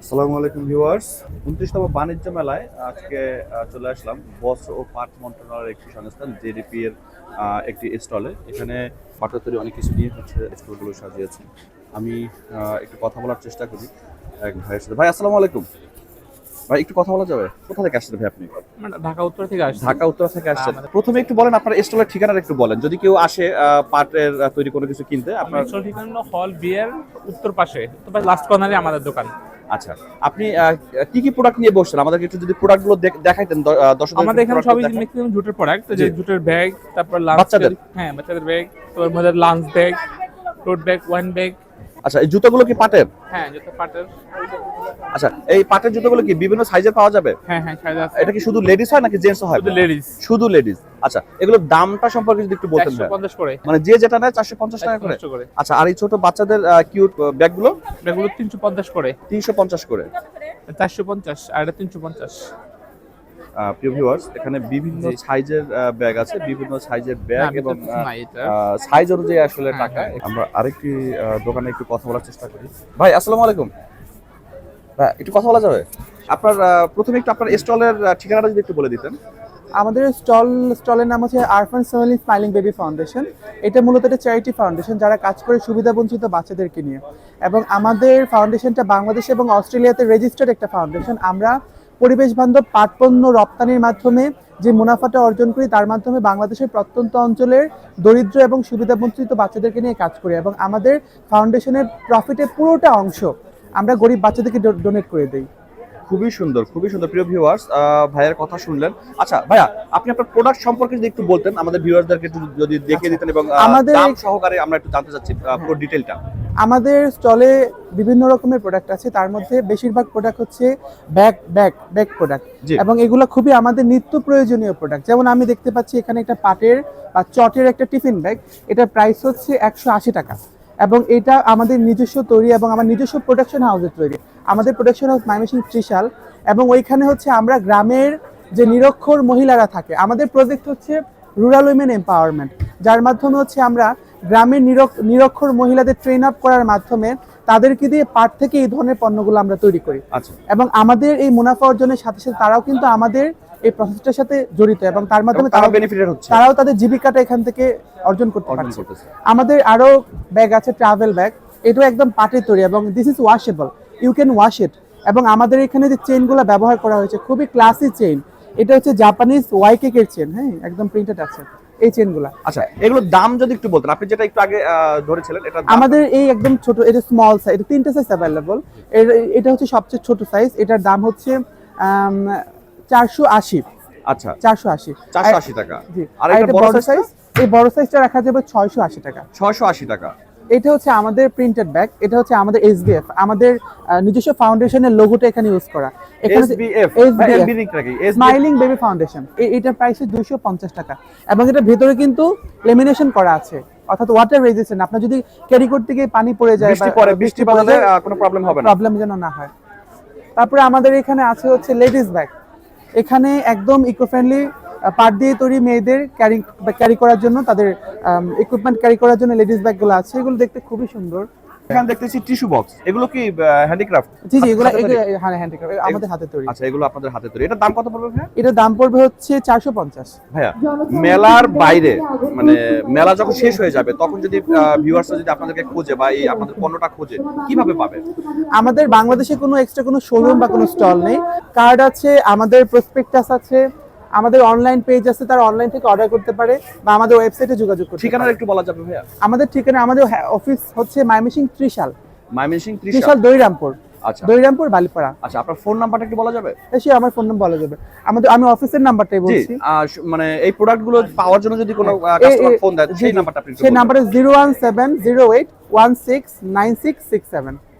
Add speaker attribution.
Speaker 1: আসসালামু আলাইকুম ভিউয়ার্স। 29তম বাণিজ্য মেলায় আজকে চলে আসলাম বস্ত্র ও পাট মন্ত্রণালয়ের একটি সংস্থান জেডিপি এর একটি স্টলে। এখানে পাটের তৈরি অনেক কিছু নিয়ে হচ্ছে স্টলগুলো সাজিয়েছে। আমি একটু কথা বলার চেষ্টা করি এক ভাইয়ের সাথে। ভাই আসসালামু আলাইকুম। ভাই একটু কথা বলা যাবে? কোথা থেকে আসছেন ভাই আপনি?
Speaker 2: ঢাকা উত্তর থেকে আসছি।
Speaker 1: ঢাকা উত্তর থেকে আসছেন। প্রথমে একটু বলেন আপনার স্টলের ঠিকানাটা একটু বলেন। যদি কেউ আসে পাটের তৈরি কোনো কিছু কিনতে আপনার
Speaker 2: আসল ঠিকানা হলো হল বিয়ের উত্তর পাশে লাস্ট কর্নারে আমাদের দোকান।
Speaker 1: আচ্ছা, আপনি কি কি প্রোডাক্ট নিয়ে বসছেন? আমাদেরকে একটু যদি প্রোডাক্টগুলো দেখাইতেন দর্শকদের।
Speaker 2: আমাদের এখানে সবই ম্যাক্সিমাম জুটের প্রোডাক্ট, যে জুটের ব্যাগ, তারপর লাঞ্চ
Speaker 1: বাচ্চাদের?
Speaker 2: হ্যাঁ বাচ্চাদের ব্যাগ, তারপর আমাদের lunch bag, tote bag, one bag.
Speaker 1: আচ্ছা, এই জুতোগুলো কি পাটের?
Speaker 2: হ্যাঁ জুতো পাটের।
Speaker 1: আচ্ছা, এই পাটের জুতোগুলো কি বিভিন্ন সাইজের পাওয়া যাবে?
Speaker 2: হ্যাঁ হ্যাঁ সাইজ আছে।
Speaker 1: এটা কি শুধু লেডিস হয় নাকি জেন্টস হয়?
Speaker 2: শুধু লেডিস।
Speaker 1: শুধু লেডিস। আচ্ছা, এগুলোর দামটা সম্পর্কে যদি একটু বলতেন।
Speaker 2: 450 করে,
Speaker 1: মানে যে যেটা নেয় 450 টাকা করে।
Speaker 2: 450 করে।
Speaker 1: আচ্ছা, আর এই ছোট বাচ্চাদের কিউট ব্যাগগুলো?
Speaker 2: ব্যাগগুলো 350 করে।
Speaker 1: 350 করে।
Speaker 2: 450 আর এটা 350।
Speaker 1: প্রিয় ভিউয়ার্স, এখানে বিভিন্ন সাইজের ব্যাগ আছে, বিভিন্ন সাইজের ব্যাগ এবং সাইজ অনুযায়ী আসলে টাকা। আমরা আরেকটি দোকানে একটু কথা বলার চেষ্টা করি। ভাই আসসালামু আলাইকুম। ভাই একটু কথা বলা যাবে? আপনার প্রথমে একটু আপনার স্টলের ঠিকানাটা যদি একটু বলে দিতেন।
Speaker 3: আমাদের স্টলের নাম হচ্ছে Arfan Soheli smiling baby foundation. এটা মূলত একটা চ্যারিটি ফাউন্ডেশন যারা কাজ করে সুবিধাবঞ্চিত বাচ্চাদেরকে নিয়ে, এবং আমাদের ফাউন্ডেশনটা বাংলাদেশ এবং অস্ট্রেলিয়াতে রেজিস্টার্ড একটা ফাউন্ডেশন। আমরা পরিবেশ বান্ধব পাট পণ্য রপ্তানির মাধ্যমে যে মুনাফাটা অর্জন করি, তার মাধ্যমে বাংলাদেশের প্রত্যন্ত অঞ্চলের দরিদ্র এবং সুবিধাবঞ্চিত বাচ্চাদেরকে নিয়ে কাজ করি, এবং আমাদের ফাউন্ডেশনের প্রফিটের পুরোটা অংশ আমরা গরিব বাচ্চাদেরকে ডোনেট করে দিই।
Speaker 1: খুবই সুন্দর, খুবই সুন্দর। প্রিয় ভিউয়ার্স, ভাইয়ের কথা শুনলেন। আচ্ছা ভাইয়া, আপনি আপনার প্রোডাক্ট সম্পর্কে যদি একটু বলতেন, আমাদের ভিউয়ারদেরকে একটু যদি দেখিয়ে দিতেন, এবং
Speaker 3: আমাদের
Speaker 1: দাম সহকারে আমরা একটু জানতে চাচ্ছি পুরো ডিটেইলটা।
Speaker 3: আমাদের স্টলে বিভিন্ন রকমের প্রোডাক্ট আছে, তার মধ্যে বেশিরভাগ প্রোডাক্ট হচ্ছে ব্যাগ প্রোডাক্ট, এবং এগুলো খুবই আমাদের নিত্য প্রয়োজনীয় প্রোডাক্ট। যেমন আমি দেখতে পাচ্ছি এখানে একটা পাটের বা চটের একটা টিফিন ব্যাগ, এটার প্রাইস হচ্ছে 180 টাকা, এবং এটা আমাদের নিজস্ব তৈরি এবং আমার নিজস্ব প্রোডাকশন হাউসের তৈরি। আমাদের প্রোডাকশন হাউস ময়মনসিংহ ত্রিশাল, এবং ওইখানে হচ্ছে আমরা গ্রামের যে নিরক্ষর মহিলারা থাকে, আমাদের প্রজেক্ট হচ্ছে রুরাল উইমেন এম্পাওয়ারমেন্ট, যার মাধ্যমে হচ্ছে আমরা গ্রামের নিরক্ষর মহিলাদের ট্রেন আপ করার মাধ্যমে তাদেরকে দিয়ে পাট থেকে এই ধরনের পণ্যগুলো আমরা তৈরি করি।
Speaker 1: আচ্ছা,
Speaker 3: এবং আমাদের এই মুনাফা অর্জনের সাথে সাথে তারাও কিন্তু আমাদের এই প্রসেসটার সাথে জড়িত, এবং তার মাধ্যমে তারাও বেনিফিটেড হচ্ছে, তারাও তাদের জীবিকাটা এখান থেকে অর্জন করতে পারছে। আমাদের আরো ব্যাগ আছে, ট্রাভেল ব্যাগ, এটাও একদম পাটের তৈরি, এবং this is washable, you can wash it. এবং আমাদের এখানে যে চেইনগুলো ব্যবহার করা হয়েছে খুবই ক্লাসি চেইন, এটা হচ্ছে জাপানিজ ওয়াইকেকের চেইন, হ্যাঁ একদম প্রিন্টেড আছে এই চেইনগুলো।
Speaker 1: আচ্ছা, এগুলোর দাম যদি একটু বলতেন, আপনি যেটা একটু আগে ধরেছিলেন। এটা
Speaker 3: আমাদের এই একদম ছোট, এটা স্মল সাইজ, এটা 3টা সাইজ अवेलेबल। এটা হচ্ছে সবচেয়ে ছোট সাইজ, এটার দাম হচ্ছে 480।
Speaker 1: আচ্ছা,
Speaker 3: 480
Speaker 1: টাকা।
Speaker 3: জি।
Speaker 1: আর এটা বড় সাইজ?
Speaker 3: এই বড় সাইজটা রাখা যাবে 680 টাকা।
Speaker 1: 680 টাকা।
Speaker 3: এটা হচ্ছে আমাদের প্রিন্টেড ব্যাগ, এটা হচ্ছে আমাদের এসবিএফ, আমাদের নিজস্ব ফাউন্ডেশনের লোগোটা এখানে ইউজ করা। এখানে
Speaker 1: এসবিএফ
Speaker 3: স্মাইলিং বেবি ফাউন্ডেশন, এটার প্রাইস 250 টাকা, এবং এটা ভেতরে কিন্তু লেমিনেশন করা আছে, অর্থাৎ ওয়াটার রেজিস্ট্যান্ট। আপনার যদি ক্যারি করতে গিয়ে পানি পড়ে যায়,
Speaker 1: বৃষ্টি পড়লে কোনো প্রবলেম হবে না,
Speaker 3: প্রবলেম যেন না হয়। তারপরে আমাদের এখানে আছে হচ্ছে লেডিস ব্যাগ, এখানে একদম ইকো ফ্রেন্ডলি পাট দিয়ে তৈরি মেয়েদের ক্যারি করার জন্য, তাদের ইকুইপমেন্ট ক্যারি করার জন্য লেডিস ব্যাগগুলো আছে, এগুলো দেখতে খুবই সুন্দর।
Speaker 1: এখানে দেখতেছি টিস্যু বক্স, এগুলো কি হ্যান্ডিক্রাফট?
Speaker 3: জি জি, এগুলো হ্যাঁ হ্যান্ডিক্রাফট, আমাদের হাতে তৈরি।
Speaker 1: আচ্ছা, এগুলো আপনাদের হাতে তৈরি। এটার দাম কত পড়বে ভাইয়া?
Speaker 3: এটার দাম পড়বে হচ্ছে 450।
Speaker 1: ভাইয়া, মেলার বাইরে, মানে মেলা যখন শেষ হয়ে যাবে, তখন যদি ভিউয়ার্সরা যদি আপনাদেরকে খোঁজে বা এই আপনাদের পণ্যটা খোঁজে, কিভাবে পাবে?
Speaker 3: আমাদের বাংলাদেশে কোনো এক্সট্রা কোনো শোরুম বা কোনো স্টল নেই, কার্ড আছে, আমাদের প্রসপেক্টাস আছে, আমাদের অনলাইন পেজ আছে, তারা অনলাইন থেকে অর্ডার করতে পারে বা আমাদের ওয়েবসাইটে যোগাযোগ করতে পারে।
Speaker 1: ঠিকানাটা একটু বলা যাবে ভাইয়া?
Speaker 3: আমাদের ঠিকানা, আমাদের অফিস হচ্ছে ময়মনসিংহ ত্রিশাল,
Speaker 1: ত্রিশাল
Speaker 3: দৈরামপুর।
Speaker 1: আচ্ছা,
Speaker 3: দৈরামপুর বালিপাড়া।
Speaker 1: আচ্ছা, আপনার ফোন নাম্বারটা একটু বলা যাবে?
Speaker 3: সে আমার ফোন নাম্বার বলা যাবে, আমি অফিসের নাম্বারটাই বলছি।
Speaker 1: মানে এই প্রোডাক্টগুলো পাওয়ার জন্য যদি কোনো কাস্টমার ফোন দেয়, সেই নাম্বারটা আপনি?
Speaker 3: সেই নাম্বারটা 01708169667।